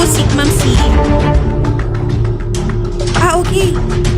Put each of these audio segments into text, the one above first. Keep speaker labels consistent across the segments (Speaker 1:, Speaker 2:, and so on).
Speaker 1: si Ma'am C. Okay.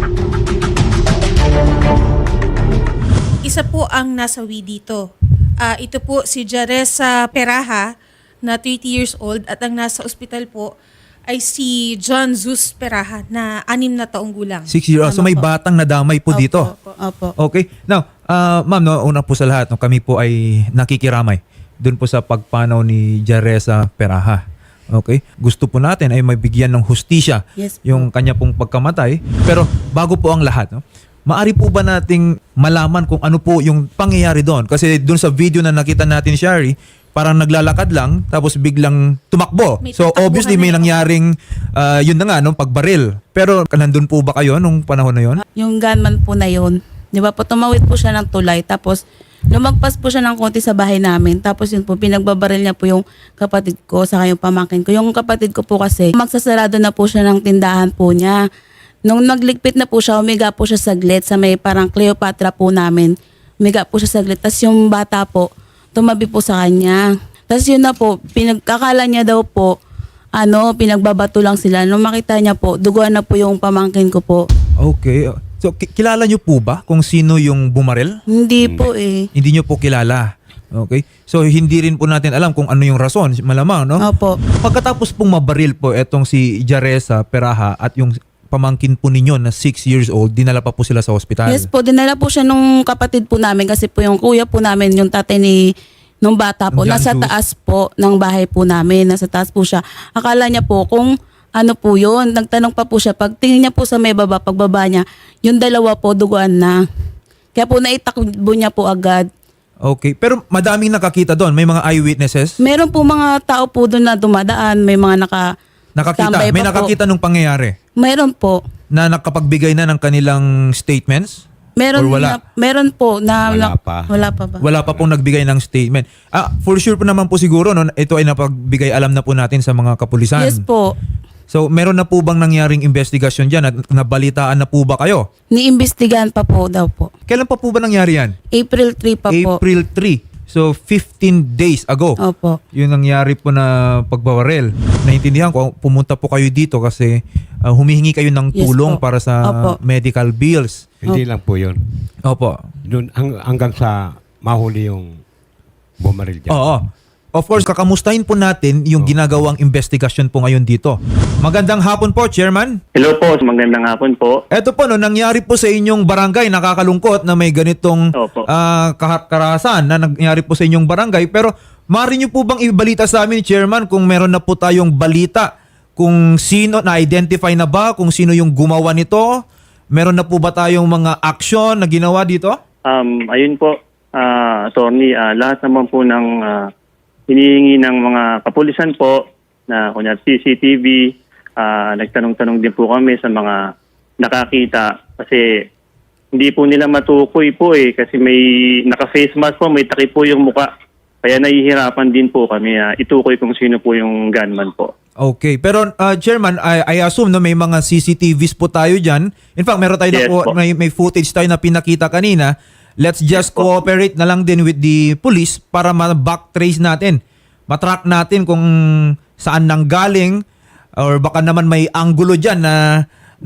Speaker 1: Isa po ang nasawi dito. Ito po si Jaresa Peraha na 30 years old at ang nasa ospital po ay si John Zeus Peraha na 6 na taong gulang.
Speaker 2: 6 years. So may batang nadamay po dito.
Speaker 1: Opo.
Speaker 2: Okay. Now, ma'am, no, una po sa lahat, no, kami po ay nakikiramay dun po sa pagpanaw ni Jaresa Peraha. Okay? Gusto po natin ay mabigyan ng hustisya
Speaker 1: Yes po.
Speaker 2: yung kanya pong pagkamatay. Pero bago po ang lahat, no, maari po ba nating malaman kung ano po yung pangyayari doon? Kasi doon sa video na nakita natin, Shari, parang naglalakad lang tapos biglang tumakbo.
Speaker 1: May
Speaker 2: So
Speaker 1: tatakbuhan
Speaker 2: obviously may
Speaker 1: na yun.
Speaker 2: nangyaring yun na nga, no, pagbaril. Pero nandun po ba kayo nung panahon na yun?
Speaker 3: Yung gunman po na yun, di ba po, tumawid po siya ng tulay, tapos lumagpas po siya ng konti sa bahay namin, tapos yun po, pinagbabaril niya po yung kapatid ko, saka yung pamangkin ko. Yung kapatid ko po kasi, magsasarado na po siya ng tindahan po niya. Nung nagligpit na po siya, umiga po siya saglit sa may parang Cleopatra po namin. Umiga po siya saglit, tapos yung bata po, tumabi po sa kanya. Tapos yun na po, pinagkakala niya daw po, pinagbabato lang sila. Nung makita niya po, duguan na po yung pamangkin ko po.
Speaker 2: Okay. So kilala nyo po ba kung sino yung bumaril?
Speaker 3: Hindi po eh.
Speaker 2: Hindi nyo po kilala. Okay? So hindi rin po natin alam kung ano yung rason, malamang, no?
Speaker 3: Opo.
Speaker 2: Pagkatapos pong mabaril po etong si Jaresa Peraha at yung pamangkin po ninyo na 6 years old, dinala pa po sila sa ospital.
Speaker 3: Yes po, dinala po siya nung kapatid po namin kasi po yung kuya po namin, yung tatay nung bata po,
Speaker 2: Ng John
Speaker 3: nasa
Speaker 2: Zeus.
Speaker 3: taas po ng bahay po namin, nasa taas po siya. Akala niya po kung ano po yun, nagtanong pa po siya, pagtingin niya po sa may baba, pagbaba niya, yung dalawa po duguan na. Kaya po naitakbo niya po agad.
Speaker 2: Okay. Pero madaming nakakita doon. May mga eyewitnesses.
Speaker 3: Meron po mga tao po doon na dumadaan, may mga
Speaker 2: Nakakita.
Speaker 3: tambay
Speaker 2: May
Speaker 3: pa po.
Speaker 2: nakakita nung pangyayari
Speaker 3: Meron po.
Speaker 2: na nakapagbigay na ng kanilang statements?
Speaker 3: Meron
Speaker 2: Or wala?
Speaker 3: meron po na
Speaker 4: Wala pa.
Speaker 3: Wala pa ba?
Speaker 2: Wala pa pong nagbigay ng statement. For sure po naman po siguro, no, ito ay napagbigay alam na po natin sa mga kapulisan.
Speaker 3: Yes po.
Speaker 2: So, meron na po bang nangyaring investigasyon dyan at nabalitaan na po ba kayo?
Speaker 3: Niimbestigahan pa po daw po.
Speaker 2: Kailan pa po ba nangyari yan?
Speaker 3: April 3 pa po.
Speaker 2: April 3. So, 15 days ago.
Speaker 3: Opo.
Speaker 2: Yung nangyari po na pagbabaril. Naintindihan ko, pumunta po kayo dito kasi humihingi kayo ng
Speaker 3: Yes
Speaker 2: tulong
Speaker 3: po.
Speaker 2: para sa
Speaker 3: Opo.
Speaker 2: medical bills.
Speaker 4: Hindi lang po yun.
Speaker 2: Opo.
Speaker 4: Doon, hanggang sa mahuli yung bumaril dyan.
Speaker 2: Oo. Of course, kakamustahin po natin yung ginagawang investigasyon po ngayon dito. Magandang hapon po, Chairman.
Speaker 5: Hello po, magandang hapon po.
Speaker 2: Eto po, no, nangyari po sa inyong barangay, nakakalungkot na may ganitong
Speaker 5: Opo.
Speaker 2: karahasan na nangyari po sa inyong barangay. Pero maaari niyo po bang ibalita sa amin, Chairman, kung meron na po tayong balita kung sino, na-identify na ba kung sino yung gumawa nito? Meron na po ba tayong mga action na ginawa dito?
Speaker 5: Ayun po, attorney, lahat naman po ng hinihingi ng mga kapulisan po na kunyari CCTV, nagtanong-tanong din po kami sa mga nakakita kasi hindi po nila matukoy po kasi may naka-face mask po, may takip po yung muka. Kaya nahihirapan din po kami itukoy kung sino po yung gunman po.
Speaker 2: Okay. Pero Chairman, I assume no, may mga CCTVs po tayo dyan. In fact, meron tayo
Speaker 5: Yes po.
Speaker 2: may footage tayo na pinakita kanina. Let's just
Speaker 5: po.
Speaker 2: cooperate na lang din with the police para ma-backtrace natin. Matrack natin kung saan nanggaling or baka naman may anggulo dyan na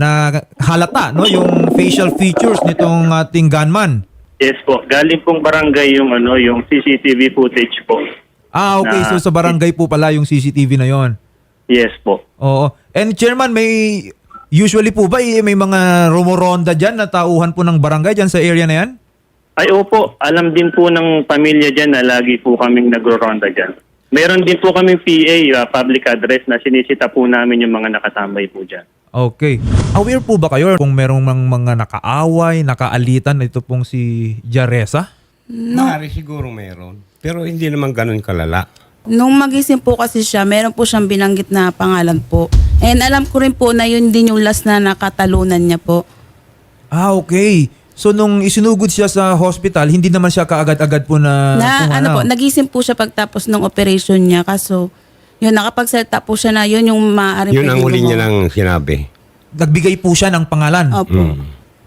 Speaker 2: halata, no, yung facial features nitong ating gunman.
Speaker 5: Yes po, galing pong barangay yung CCTV footage po.
Speaker 2: Okay. So sa barangay po pala yung CCTV na yon.
Speaker 5: Yes po.
Speaker 2: Oo. And Chairman, usually po ba may mga rumoronda dyan na tauhan po ng barangay dyan sa area na yan?
Speaker 5: Ay opo, alam din po ng pamilya dyan na lagi po kaming nagro-ronda dyan. Meron din po kaming PA, public address, na sinisita po namin yung mga nakatambay po dyan.
Speaker 2: Okay. Aware po ba kayo kung merong mga nakaaway, nakaalitan, ito pong si Jaresa?
Speaker 4: Maaari siguro meron. Pero hindi naman ganun kalala.
Speaker 3: Nung magising po kasi siya, meron po siyang binanggit na pangalan po. And alam ko rin po na yun din yung last na nakatalunan niya po.
Speaker 2: Okay. So nung isinugod siya sa hospital, hindi naman siya kaagad-agad po na pumanaw.
Speaker 3: Nagising po siya pagtapos ng operation niya. Kaso, yun, nakapagsalita po siya na yun yung maaaring
Speaker 4: Yun ang
Speaker 3: pwedeng
Speaker 4: huli niya
Speaker 3: gumawa.
Speaker 4: nang sinabi.
Speaker 2: Nagbigay po siya ng pangalan.
Speaker 3: Opo.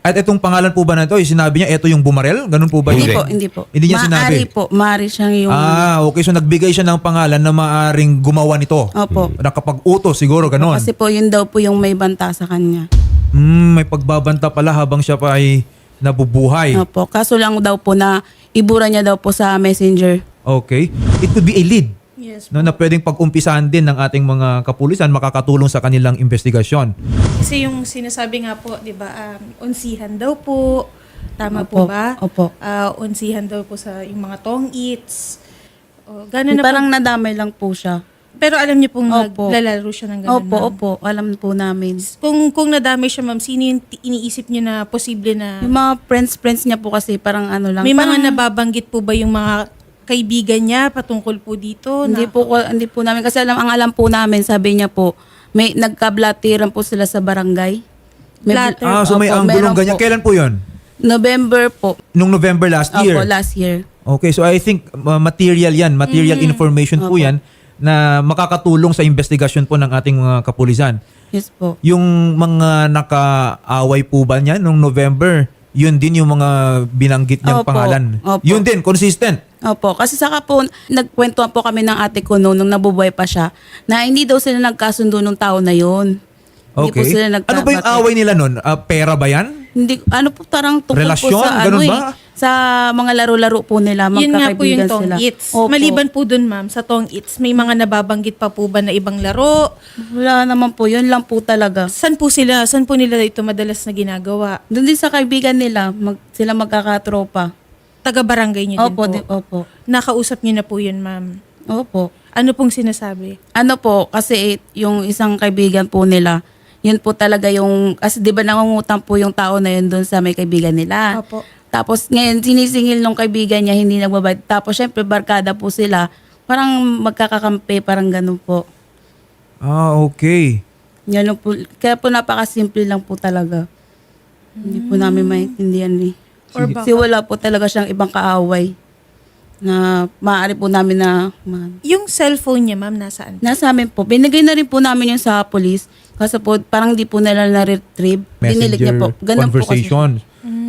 Speaker 2: At itong pangalan po ba na ito, sinabi niya, ito yung bumarel? Ganun po ba?
Speaker 3: Hindi
Speaker 2: yun?
Speaker 3: po, hindi po.
Speaker 2: Hindi niya sinabi?
Speaker 3: Maari po, maari siyang yung...
Speaker 2: Okay. So nagbigay siya ng pangalan na maaring gumawa nito.
Speaker 3: Opo.
Speaker 2: Nakapag-utos siguro, ganun.
Speaker 3: Kasi po yun daw po yung may banta sa kanya.
Speaker 2: May pagbabanta pala habang siya pa ay nabubuhay.
Speaker 3: Opo. Kaso lang daw po na ibura niya daw po sa messenger.
Speaker 2: Okay. It could be a lead.
Speaker 1: Yes.
Speaker 2: No, na pwedeng pag-umpisahan din ng ating mga kapulisan, makakatulong sa kanilang investigasyon.
Speaker 1: Kasi yung sinasabi nga po, di ba, unsihan daw po. Tama po
Speaker 3: Opo,
Speaker 1: ba?
Speaker 3: opo.
Speaker 1: Unsihan daw po sa yung mga tong eats. Gano'n na
Speaker 3: Parang
Speaker 1: po.
Speaker 3: nadamay lang po siya.
Speaker 1: Pero alam niyo pong
Speaker 3: Opo.
Speaker 1: naglalaro siya ng gano'n.
Speaker 3: Opo,
Speaker 1: ma'am.
Speaker 3: opo. Alam po namin.
Speaker 1: Kung nadamay siya, ma'am, sino yung iniisip niyo na posible na...
Speaker 3: Yung mga friends niya po kasi parang ano lang.
Speaker 1: May
Speaker 3: parang,
Speaker 1: mga nababanggit po ba yung mga kaibigan niya patungkol po dito?
Speaker 3: Hindi po namin. Kasi ang alam po namin, sabi niya po, may nagkablatiran po sila sa barangay.
Speaker 1: Blatter.
Speaker 2: So may
Speaker 3: Opo,
Speaker 2: anggulong
Speaker 3: meron
Speaker 2: ganyan.
Speaker 3: po.
Speaker 2: Kailan po yun?
Speaker 3: November po.
Speaker 2: Nung November last year?
Speaker 3: Opo, last year.
Speaker 2: Okay, so I think material yan, material information po
Speaker 3: Opo.
Speaker 2: yan na makakatulong sa investigasyon po ng ating mga kapulisan.
Speaker 3: Yes po.
Speaker 2: Yung mga nakaaway po ba niyan nung November, yun din yung mga binanggit niyang
Speaker 3: Opo.
Speaker 2: pangalan.
Speaker 3: Opo.
Speaker 2: Yun din, consistent.
Speaker 3: Opo, kasi saka po, nagkwentuhan po kami ng ate ko nung nabubuhay pa siya, na hindi daw sila nagkasundo nung taon na yun. Hindi po
Speaker 2: Okay.
Speaker 3: sila
Speaker 2: Ano ba yung away nila nun? Pera ba yan?
Speaker 3: Hindi, ano po, tarang tungkol
Speaker 2: Relasyon?
Speaker 3: po sa
Speaker 2: Ganun
Speaker 3: ano
Speaker 2: ba?
Speaker 3: sa mga laro-laro po nila,
Speaker 1: Yun nga po yung
Speaker 3: magkakaibigan
Speaker 1: tong
Speaker 3: sila.
Speaker 1: eats.
Speaker 3: Opo.
Speaker 1: Maliban po dun, ma'am, sa tong eats, may mga nababanggit pa po ba na ibang laro?
Speaker 3: Wala naman po, yun lang po talaga.
Speaker 1: Saan po nila ito madalas na ginagawa?
Speaker 3: Doon din sa kaibigan nila, sila magkakatropa.
Speaker 1: Taga-barangay niyo
Speaker 3: Opo,
Speaker 1: din po?
Speaker 3: opo.
Speaker 1: Nakausap niyo na po yun, ma'am.
Speaker 3: Opo.
Speaker 1: Ano pong sinasabi?
Speaker 3: Ano po, kasi yung isang kaibigan po nila, yun po talaga yung, kasi di ba nangungutang po yung tao na yun doon sa may kaibigan nila.
Speaker 1: Opo.
Speaker 3: Tapos ngayon, sinisingil nung kaibigan niya, hindi nagbabayad. Tapos syempre, barkada po sila. Parang magkakakampi, parang ganun po.
Speaker 2: Okay.
Speaker 3: Yan lang po. Kaya po napakasimple lang po talaga. Hindi po namin maintindihan eh.
Speaker 1: Or
Speaker 3: Kasi wala po talaga siyang ibang kaaway na maaari po namin na
Speaker 1: Yung cellphone niya, ma'am, nasaan?
Speaker 3: nasa amin po. Binigay na rin po namin yung sa police. Kasi po parang di po nila na-retrieve. Dinilig niya po. Ganun po kasi.
Speaker 2: conversations.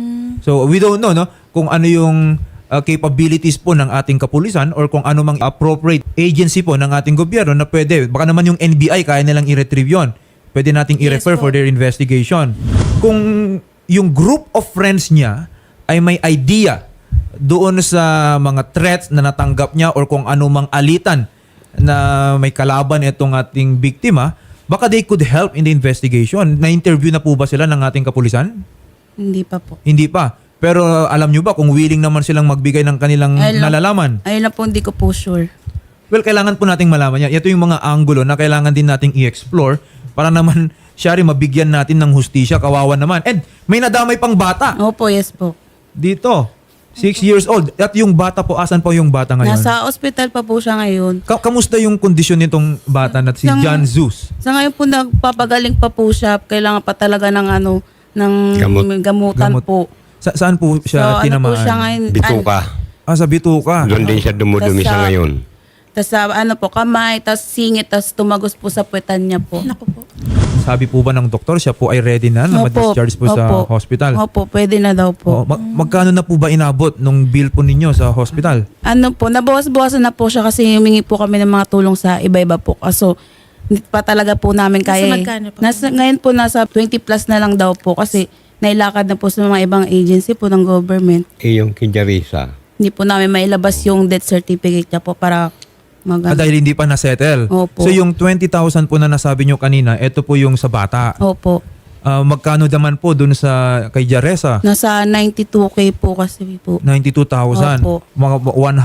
Speaker 2: So we don't know no kung ano yung capabilities po ng ating kapulisan or kung ano mang appropriate agency po ng ating gobyerno na pwede. Baka naman yung NBI kaya nilang i-retrieve yun. Pwede nating i-refer
Speaker 1: po.
Speaker 2: for their investigation. Kung yung group of friends niya ay may idea doon sa mga threats na natanggap niya or kung ano mang alitan na may kalaban itong ating biktima, baka they could help in the investigation. Na-interview na po ba sila ng ating kapulisan?
Speaker 3: Hindi pa po.
Speaker 2: Hindi pa. Pero alam nyo ba kung willing naman silang magbigay ng kanilang nalalaman?
Speaker 3: Ayun lang po, hindi ko po sure.
Speaker 2: Well, kailangan po nating malaman yan. Ito yung mga angulo na kailangan din nating i-explore para naman siya rin mabigyan natin ng hustisya. Kawawa naman. And may nadamay pang bata
Speaker 3: Opo, yes po.
Speaker 2: dito. 6 years old. At yung bata po, asan po yung bata ngayon?
Speaker 3: Nasa ospital pa po siya ngayon.
Speaker 2: Kamusta yung kondisyon nitong bata na si John Zeus?
Speaker 3: Sa ngayon po nagpapagaling pa po siya. Kailangan pa talaga ng ng gamutan
Speaker 2: Gamot.
Speaker 3: po.
Speaker 2: Saan po siya
Speaker 3: So,
Speaker 2: tinamaan?
Speaker 3: ano po siya ngayon?
Speaker 4: Bituka.
Speaker 2: Sa Bituka.
Speaker 4: Doon din siya dumudumi
Speaker 3: Tas
Speaker 4: sa
Speaker 3: sa-
Speaker 4: ngayon.
Speaker 3: Tapos sa kamay, tapos singit, tapos tumagos po sa puwetan niya po.
Speaker 1: Naku po.
Speaker 2: Sabi po ba ng doktor, siya po ay ready na ma-discharge po sa
Speaker 3: Opo.
Speaker 2: hospital?
Speaker 3: Opo, pwede na daw po.
Speaker 2: Magkano na po ba inabot nung bill po ninyo sa hospital?
Speaker 3: Ano po, nabawas-bawasan na po siya kasi humingi po kami ng mga tulong sa iba-iba po. Kaso, hindi pa talaga po namin
Speaker 1: Nasa
Speaker 3: kaya.
Speaker 1: magkano po?
Speaker 3: Ngayon po nasa 20 plus na lang daw po kasi nailakad na po sa mga ibang agency po ng government.
Speaker 4: Yung Kinjarisa.
Speaker 3: Hindi po namin mailabas yung death certificate niya po para
Speaker 2: Dahil hindi pa na-settle.
Speaker 3: Opo.
Speaker 2: So yung 20,000 po na nasabi nyo kanina, ito po yung sa bata.
Speaker 3: Opo.
Speaker 2: Magkano naman po dun sa kay Jaresa?
Speaker 3: Nasa 92K po kasi po.
Speaker 2: 92,000.
Speaker 3: Opo.
Speaker 2: Mga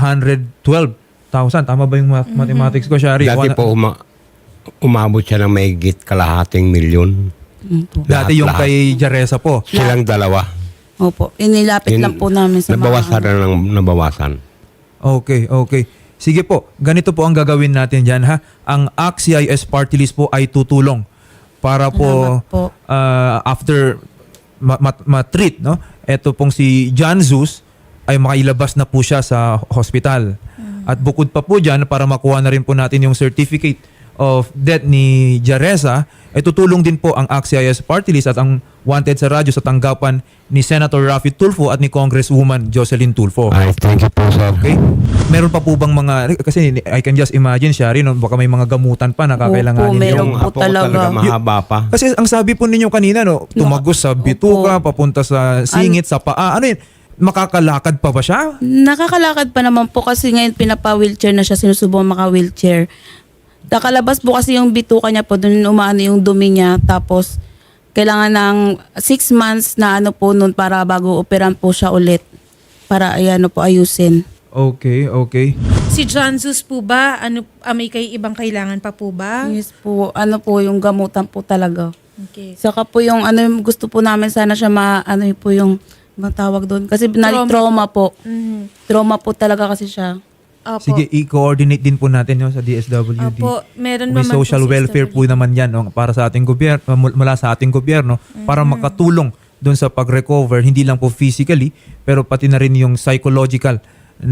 Speaker 2: 112,000. Tama ba yung mathematics ko, Shari?
Speaker 4: Dati po umabot siya ng mahigit kalahating milyon.
Speaker 3: Opo.
Speaker 2: Dati yung
Speaker 4: lahat.
Speaker 2: kay Jaresa po.
Speaker 4: Silang dalawa.
Speaker 3: Opo. Inilapit lang po namin sa
Speaker 4: Nabawasan na ng nabawasan.
Speaker 2: Okay. Sige po, ganito po ang gagawin natin dyan ha. Ang ACT-CIS party list po ay tutulong para po,
Speaker 3: Salamat po.
Speaker 2: After ma-treat, no? Ito pong si John Zeus ay makailabas na po siya sa hospital. At bukod pa po dyan, para makuha na rin po natin yung certificate of death ni Jaresa, ay tutulong din po ang AXIS Party List at ang Wanted sa Radyo sa tanggapan ni Senator Raffy Tulfo at ni Congresswoman Jocelyn Tulfo.
Speaker 4: Ay, thank you po, sir.
Speaker 2: Okay? Meron pa po bang mga, kasi I can just imagine, Shari, no, baka may mga gamutan pa na kakailanganin
Speaker 3: Opo, meron
Speaker 2: yung...
Speaker 3: po
Speaker 4: Apo ko
Speaker 3: talaga.
Speaker 4: mahaba pa.
Speaker 2: Kasi ang sabi po ninyo kanina, no, tumagos sa bituka, papunta sa singit, sa paa. Ano yun? Makakalakad pa ba siya?
Speaker 3: Nakakalakad pa naman po kasi ngayon pinapa-wheelchair na siya, sinusubong maka-wheelchair. Nakalabas po kasi yung bituka niya po, doon umaano yung dumi niya, tapos kailangan ng 6 months na ano po noon para bago operan po siya ulit. Para ayan po ayusin.
Speaker 2: Okay, okay.
Speaker 1: Si John Zeus po ba, may ibang kailangan pa po ba?
Speaker 3: Yes po, ano po yung gamutan po talaga.
Speaker 1: Okay.
Speaker 3: Saka po yung ano gusto po namin sana siya ano po yung matawag doon kasi trauma po.
Speaker 1: Mhm.
Speaker 3: Trauma po talaga kasi siya.
Speaker 1: Opo.
Speaker 2: Sige, i-coordinate din po natin yun sa DSWD.
Speaker 1: Opo, meron
Speaker 2: May
Speaker 1: naman
Speaker 2: social
Speaker 1: po sa
Speaker 2: welfare po
Speaker 1: SWD.
Speaker 2: naman yan, no, para sa ating gobyerno, mula sa ating gobyerno, para makatulong doon sa pag-recover, hindi lang po physically, pero pati na rin yung psychological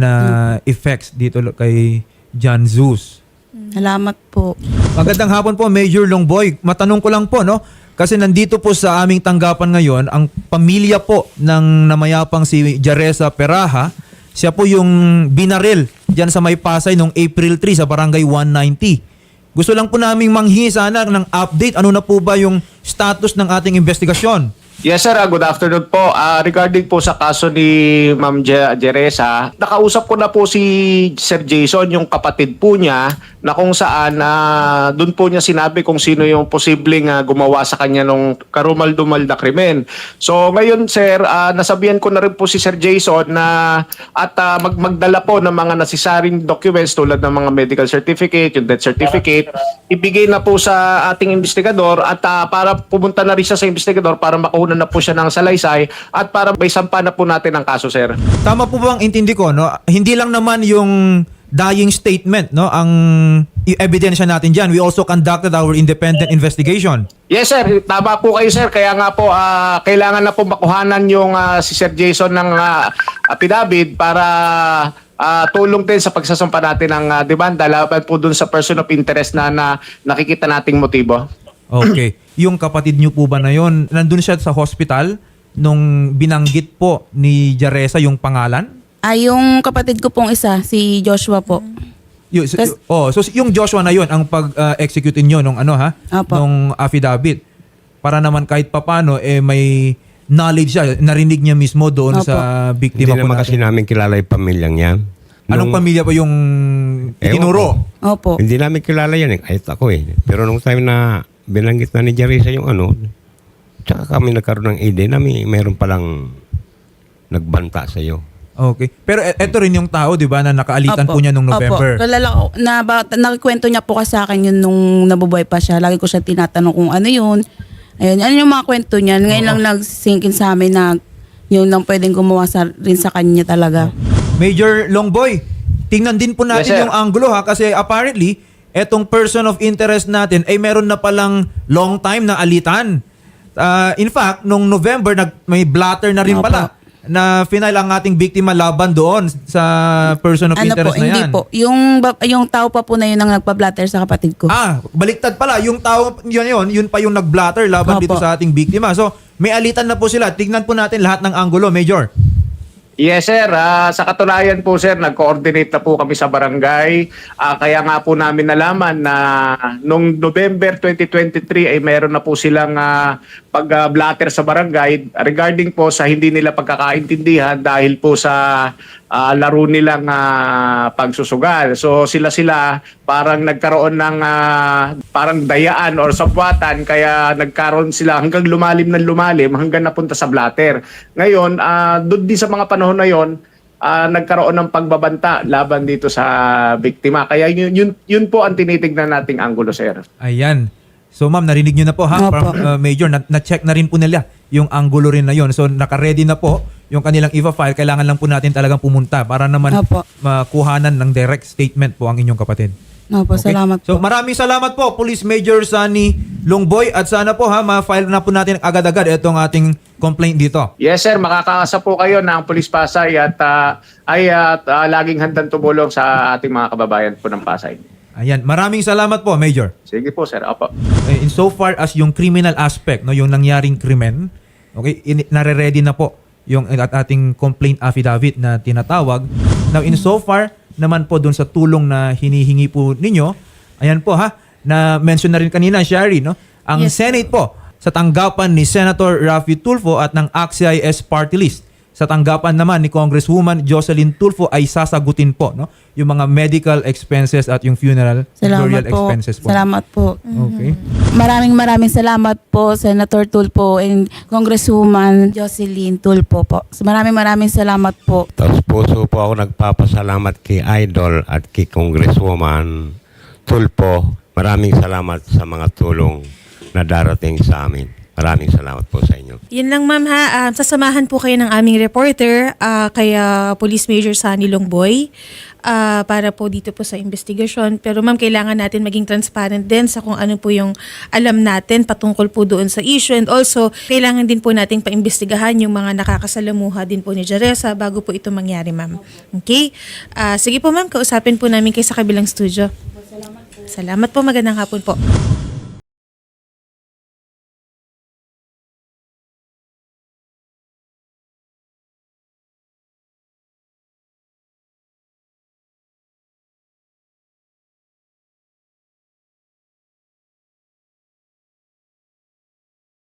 Speaker 2: na effects dito kay John Zeus.
Speaker 3: Salamat po.
Speaker 2: Magandang hapon po, Major Longboy. Matanong ko lang po, no? Kasi nandito po sa aming tanggapan ngayon, ang pamilya po ng namayapang si Jaresa Peraha, siya po yung binaril dyan sa May Pasay noong April 3 sa Barangay 190. Gusto lang po naming manghingi sana ng update. Ano na po ba yung status ng ating investigasyon?
Speaker 6: Yes sir, good afternoon po. Regarding po sa kaso ni Ma'am Jeresa, nakausap ko na po si Sir Jason, yung kapatid po niya, na kung saan doon po niya sinabi kung sino yung posibleng gumawa sa kanya nung karumal-dumal na krimen. So ngayon sir, nasabihan ko na rin po si Sir Jason na at magdala po ng mga necessary documents tulad ng mga medical certificate, yung death certificate, ibigay na po sa ating investigador at para pumunta na rin siya sa investigador para makuha na po siya ng salaysay at para may sampa na po natin ang kaso, sir.
Speaker 2: Tama po ba ang intindi ko, no? Hindi lang naman yung dying statement, no, ang ebidensya natin diyan. We also conducted our independent investigation.
Speaker 6: Yes, sir. Tama po kayo, sir. Kaya nga po, kailangan na po makuhanan yung si Sir Jason ng affidavit para tulong din sa pagsasampa natin ng demanda laban po dun sa person of interest na nakikita nating motibo.
Speaker 2: Okay. Yung kapatid niyo po ba na yon, nandun siya sa hospital nung binanggit po ni Jaresa yung pangalan?
Speaker 3: Yung kapatid ko pong isa, si Joshua po.
Speaker 2: So yung Joshua na yon ang pag-execute niyo nung
Speaker 3: Apo.
Speaker 2: nung affidavit. Para naman kahit papano may knowledge siya, narinig niya mismo doon
Speaker 3: Opo.
Speaker 2: sa
Speaker 4: Hindi
Speaker 2: biktima po
Speaker 4: naman kasi
Speaker 2: natin.
Speaker 4: namin kilala yung pamilyang yan.
Speaker 2: Anong pamilya pa yung itinuro?
Speaker 3: Opo.
Speaker 4: Hindi namin kilala yan kahit ako Pero nung time na binanggit na ni Jaresa yung tsaka kami nagkaroon ng idea na mayroon palang nagbanta sa iyo.
Speaker 2: Okay. Pero eto rin yung tao, di ba, na nakaalitan po niya nung November.
Speaker 3: Opo. Kalala ko, nakikwento niya po kasi sa akin yun nung nabubuhay pa siya. Lagi ko siya tinatanong kung ano yun. Ayun, ano yung mga kwento niya. Ngayon lang nag-sinkin sa amin na yun lang pwedeng gumawa rin sa kanya talaga.
Speaker 2: Major Longboy, tingnan din po natin
Speaker 6: Yes, sir.
Speaker 2: yung anggulo kasi apparently, etong person of interest natin ay meron na palang long time na alitan. In fact, nung November, may blatter na rin
Speaker 3: Opo.
Speaker 2: pala na final ang ating biktima laban doon sa person of interest na yan.
Speaker 3: Hindi po. Yung tao pa po na yun ang nagpa-blatter sa kapatid ko.
Speaker 2: Baliktad pala. Yung tao, yun pa yung nag-blatter laban
Speaker 3: Opo.
Speaker 2: dito sa ating biktima. So, may alitan na po sila. Tignan po natin lahat ng anggulo, Major.
Speaker 6: Yes, sir. Sa katunayan po, sir, nag-coordinate na po kami sa barangay. Kaya nga po namin nalaman na nung November 2023 ay meron na po silang pag-blatter sa barangay regarding po sa hindi nila pagkakaintindihan dahil po sa laro nilang pagsusugal. So sila parang nagkaroon ng parang dayaan or sabwatan kaya nagkaroon sila hanggang lumalim hanggang napunta sa blatter. Ngayon, doon din sa mga panahon na yon, nagkaroon ng pagbabanta laban dito sa biktima. Kaya yun po ang tinitignan nating anggulo, sir.
Speaker 2: Ayan. So ma'am, narinig nyo na po ha,
Speaker 3: Opo.
Speaker 2: Major, na-check na rin po nila yung angulo rin na yon. So naka-ready na po yung kanilang IVA file. Kailangan lang po natin talagang pumunta para naman
Speaker 3: Opo.
Speaker 2: makuhanan ng direct statement po ang inyong kapatid.
Speaker 3: Opo,
Speaker 2: Okay?
Speaker 3: salamat
Speaker 2: So
Speaker 3: po.
Speaker 2: maraming salamat po Police Major Sunny Longboy at sana po ma-file na po natin agad-agad itong ating complaint dito.
Speaker 6: Yes, sir. Makakaasa po kayo ng Police Pasay at laging handang tumulong sa ating mga kababayan po ng Pasay.
Speaker 2: Ayan, maraming salamat po, Major.
Speaker 6: Sige po, sir. Apo.
Speaker 2: In so far as yung criminal aspect, no, yung nangyaring krimen, okay, nare-ready na po yung ating complaint affidavit na tinatawag. Now, in so far naman po dun sa tulong na hinihingi po ninyo, ayan po ha, na mention na rin kanina, Shari, no? Ang
Speaker 1: Yes,
Speaker 2: Senate po, sa tanggapan ni Senator Raffy Tulfo at ng ACT-CIS party list, sa tanggapan naman ni Congresswoman Jocelyn Tulfo ay sasagutin po, no, yung mga medical expenses at yung funeral burial
Speaker 3: Salamat po.
Speaker 2: expenses po.
Speaker 3: Salamat po.
Speaker 2: Okay.
Speaker 3: Maraming salamat po, Senator Tulfo and Congresswoman Jocelyn Tulfo po. So, maraming salamat po.
Speaker 4: Tapos puso po ako nagpapasalamat kay Idol at kay Congresswoman Tulfo. Maraming salamat sa mga tulong na darating sa amin. Maraming salamat po sa inyo.
Speaker 1: Yun lang ma'am ha, sasamahan po kayo ng aming reporter, kaya Police Major Sunny Longboy, para po dito po sa investigasyon. Pero ma'am, kailangan natin maging transparent din sa kung ano po yung alam natin patungkol po doon sa issue. And also, kailangan din po nating paimbestigahan yung mga nakakasalamuha din po ni Jaresa bago po ito mangyari ma'am. Okay? Sige po ma'am, kausapin po namin kayo sa kabilang studio. Salamat po, magandang hapon po.